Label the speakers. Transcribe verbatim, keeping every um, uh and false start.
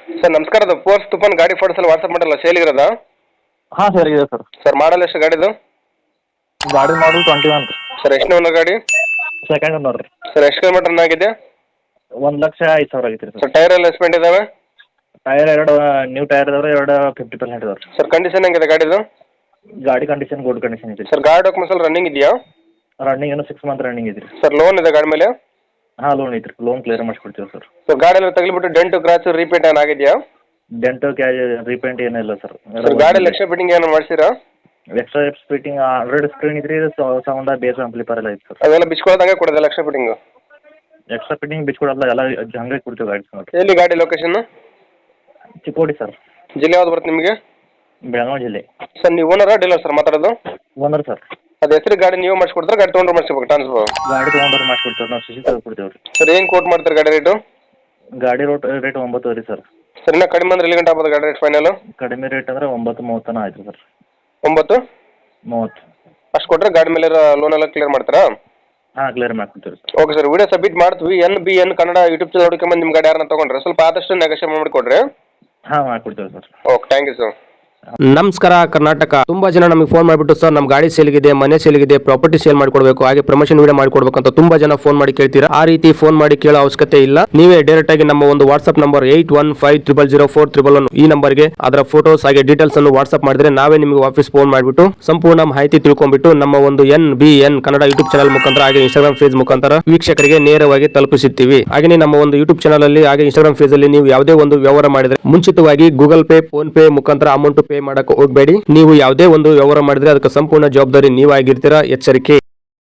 Speaker 1: Sir ನಮಸ್ಕಾರ, ಅದು force ತುಫಾನ್ ಗಾಡಿ ಫೋಟೋಸ್ ಎಲ್ಲ ವಾಟ್ಸಪ್ ಮಾಡಲ್ಲ, ಸೇಲ್ ಇರೋದಾ?
Speaker 2: ಹಾಂ ಸರ್ ಇದೆ ಸರ್.
Speaker 1: ಸರ್ ಮಾಡಲ್ ಎಷ್ಟು ಗಾಡಿದು?
Speaker 2: ಗಾಡಿ ಮಾಡಲ್ ಟ್ವೆಂಟಿ ಒನ್ ರೀ.
Speaker 1: ಸರ್ ಎಷ್ಟು ಓನರ್ ಗಾಡಿ?
Speaker 2: ಸೆಕೆಂಡ್ ಓನರ್ ರೀ.
Speaker 1: ಸರ್ ಎಷ್ಟು ಕಿಲೋಮೀಟರ್ ರನ್ ಆಗಿದೆ?
Speaker 2: ಒಂದು ಲಕ್ಷ ಐದು ಸಾವಿರ ಆಗೈತೆ ರೀ ಸರ್.
Speaker 1: ಸರ್ ಟೈರ್ ಎಲ್ಲ ಎಸ್ಪೆಂಟ್ ಇದಾವೆ?
Speaker 2: ಟೈರ್ ಎರಡು ನ್ಯೂ ಟೈರ್ ಇದಾವೆ, ಎರಡು ಫಿಫ್ಟಿ ಪರ್ಸೆಂಟ್ ಇದಾವೆ ರೀ.
Speaker 1: ಸರ್ ಕಂಡೀಷನ್ ಹೆಂಗಿದೆ ಗಾಡಿದು?
Speaker 2: ಗಾಡಿ ಕಂಡೀಷನ್ ಗುಡ್ ಕಂಡೀಷನ್ ಇದೆ
Speaker 1: ಸರ್ ಗಾಡಿ ಡಾಕ್ಯುಮೆಂಟ್ಸ್ ಎಲ್ಲ ರನ್ನಿಂಗ್ ಇದೆಯಾ?
Speaker 2: ರನ್ನಿಂಗ್ ಏನೋ ಸಿಕ್ಸ್ ಮಂತ್ ರನ್ನಿಂಗ್ ಇದೆ ರೀ.
Speaker 1: ಸರ್ ಲೋನ್ ಇದೆ ಗಾಡಿ ಮೇಲೆ?
Speaker 2: ಹಾಂ ಲೋನ್ ಐತ್ರಿ, ಲೋನ್ ಕ್ಲಿಯರ್ ಮಾಡಿಸ್ಕೊಡ್ತೀವಿ ಸರ್.
Speaker 1: ಸರ್ ಗಾಡಿ ಎಲ್ಲ ತಗಲಿಬಿಟ್ಟು ಡೆಂಟು ಕ್ರಾಚು ರೀಪೇಂಟ್ ಏನು ಆಗಿದೆಯಾ?
Speaker 2: ಡೆಂಟು ಕ್ಯಾ ರೀಪೇಂಟ್ ಏನಿಲ್ಲ ಸರ್.
Speaker 1: ಸರ್ ಗಾಡಿ ಎಕ್ಸ್ಟ್ರಾ ಫಿಟ್ಟಿಂಗ್ ಏನು ಮಾಡಿಸಿರಾ?
Speaker 2: ಎಕ್ಸ್ಟ್ರಾ ಫಿಟ್ಟಿಂಗ್ ಆಲ್ರೆಡಿ ಸ್ಕ್ರೀನ್ ಇದ್ರಿ, ಸೌಂಡ ಬೇಸ್ ಆಂಪ್ಲಿಫೈರ್ ಎಲ್ಲ ಐತೆ ಸರ್.
Speaker 1: ಅದೆಲ್ಲ ಬಿಚ್ಕೊಳ್ಳೋದಂಗೆ ಕೊಡೋದಿಲ್ಲ ಎಕ್ಸ್ಟ್ರಾ ಫಿಟ್ಟಿಂಗು?
Speaker 2: ಎಕ್ಸ್ಟ್ರಾ ಫಿಟ್ಟಿಂಗ್ ಬಿಚ್ಕೊಡಲ್ಲ, ಎಲ್ಲ ಹಂಗೆ ಕೊಡ್ತೀವಿ ಗಾಡಿ ಸರ್.
Speaker 1: ಎಲ್ಲಿ ಗಾಡಿ ಲೊಕೇಶನ್?
Speaker 2: ಚಿಕ್ಕೋಡಿ ಸರ್.
Speaker 1: ಜಿಲ್ಲೆ ಯಾವ್ದು ಬರುತ್ತೆ ನಿಮಗೆ?
Speaker 2: ಬೆಳಗಾವಿ ಜಿಲ್ಲೆ.
Speaker 1: ಸರ್ ನೀವು ಓನರಾ ಡೀಲರ್ ಸರ್ ಮಾತಾಡೋದು?
Speaker 2: Owner sir.
Speaker 1: ಅದು ಹೆಸರು ಗಾಡಿ ನೀವು ಮಾಡಿಸ್ಕೊಡ್ತಾರೆ, ಗಾಡಿ ತೊಗೊಂಡ್ರೆ ಮಾಡಿಸ್ಬೇಕು ಟ್ರಾನ್ಸ್ಫರ್?
Speaker 2: ಗಾಡಿ ತೊಗೊಂಡ್ರೆ ಮಾಡಿಸ್ಕೊಡ್ತೀವಿ, ನಾವು ಸಿಸಿ ತೆಗೆದುಕೊಡ್ತೀವಿ ರೀ.
Speaker 1: ಸರ್ ಏನು ಕೋಟ್ ಮಾಡ್ತಾರೆ ಗಾಡಿ ರೇಟು?
Speaker 2: ಗಾಡಿ ರೋಟ್ ರೇಟ್ ಒಂಬತ್ತು ರೀ ಸರ್.
Speaker 1: ಸರ್ ಇನ್ನೂ ಕಡಿಮೆ ಅಂದ್ರೆ ಎಲ್ಲಿ ಗಂಟೆ ಆಗ್ಬೋದು ಗಾಡಿ ರೇಟ್ ಫೈನಲ್?
Speaker 2: ಕಡಿಮೆ ರೇಟ್ ಅಂದರೆ ಒಂಬತ್ತು ಮೂವತ್ತನ ಆಯ್ತು ಸರ್.
Speaker 1: ಒಂಬತ್ತು
Speaker 2: ಮೂವತ್ತು
Speaker 1: ಅಷ್ಟು ಕೊಟ್ಟರೆ ಗಾಡಿ ಮೇಲೆ ಲೋನ್ ಎಲ್ಲ ಕ್ಲಿಯರ್ ಮಾಡ್ತಾರಾ?
Speaker 2: ಹಾಂ ಕ್ಲಿಯರ್ ಮಾಡ್ಕೊಡ್ತೀವಿ sir.
Speaker 1: Okay sir, video submit ಮಾಡ್ತೀವಿ. N B N Kannada YouTube channel ಹುಡುಕೊಂಬಂದು ನಿಮ್ಮ ಗಾಡಿ ಯಾರನ್ನ ತೊಗೊಂಡ್ರೆ ಸ್ವಲ್ಪ ಆದಷ್ಟು ನೆಗೋಷಿಯೇಟ್ ಮಾಡಿಕೊಡ್ರಿ.
Speaker 2: ಹಾಂ ಮಾಡ್ಕೊಡ್ತೀವಿ sir.
Speaker 1: Okay, thank you sir.
Speaker 3: ನಮಸ್ಕಾರ ಕರ್ನಾಟಕ. ತುಂಬಾ ಜನ ನಮಗೆ ಫೋನ್ ಮಾಡಿಬಿಟ್ಟು ಸರ್ ನಮ್ಮ ಗಾಡಿ ಸೇಲ್ಗಿದೆ, ಮನೆ ಸೇಲ್ಗಿದೆ, ಪ್ರಾಪರ್ಟಿ ಸೇಲ್ ಮಾಡಿಕೊಡ್ಬೇಕು, ಹಾಗೆ ಪ್ರಮೋಷನ್ ವಿಡಿಯೋ ಮಾಡಿಕೊಡ್ಬೇಕು ಅಂತ ತುಂಬಾ ಜನ ಫೋನ್ ಮಾಡಿ ಕೇಳ್ತೀರಾ. ಆ ರೀತಿ ಫೋನ್ ಮಾಡಿ ಕೇಳೋ ಅವಶ್ಯಕತೆ ಇಲ್ಲ. ನೀವೇ ಡೈರೆಕ್ಟ್ ಆಗಿ ನಮ್ಮ ಒಂದು WhatsApp number eight one five triple zero four triple one ಈ ನಂಬರ್ಗೆ ಅದರ ಫೋಟೋಸ್ ಹಾಗೆ ಡೀಟೇಲ್ಸ್ ಅನ್ನು ವಾಟ್ಸ್ಆಪ್ ಮಾಡಿದ್ರೆ ನಾವೇ ನಿಮಗೆ ವಾಪಸ್ ಫೋನ್ ಮಾಡಿಬಿಟ್ಟು ಸಂಪೂರ್ಣ ಮಾಹಿತಿ ತಿಳ್ಕೊಂಡ್ಬಿಟ್ಟು ನಮ್ಮ ಒಂದು N B N Kannada YouTube channel ಮುಖಾಂತರ ಹಾಗೆ ಇನ್ಸ್ಟಾಗ್ರಾಮ್ ಪೇಜ್ ಮುಖಾಂತರ ವೀಕ್ಷಕರಿಗೆ ನೇರವಾಗಿ ತಲುಪಿಸುತ್ತೀವಿ. ಹಾಗೆ ನಮ್ಮ ಒಂದು ಯೂಟ್ಯೂಬ್ ಚಾನಲ್ ಅಲ್ಲಿ ಹಾಗೆ ಇನ್ಸ್ಟಾಗ್ರಾಮ್ ಪೇಜ್ ಅಲ್ಲಿ ನೀವು ಯಾವುದೇ ಒಂದು ವ್ಯವಹಾರ ಮಾಡಿದ್ರೆ ಮುಂಚಿತವಾಗಿ ಗೂಗಲ್ ಪೇ, ಫೋನ್ ಪೇ ಮುಖಾಂತರ ಅಮೌಂಟ್ ಪೇ ಮಾಡಕ್ಕೆ ಹೋಗಬೇಡಿ. ನೀವು ಯಾವುದೇ ಒಂದು ವ್ಯವಹಾರ ಮಾಡಿದ್ರೆ ಅದಕ್ಕೆ ಸಂಪೂರ್ಣ ಜವಾಬ್ದಾರಿ ನೀವಾಗಿರ್ತೀರಾ, ಎಚ್ಚರಿಕೆ.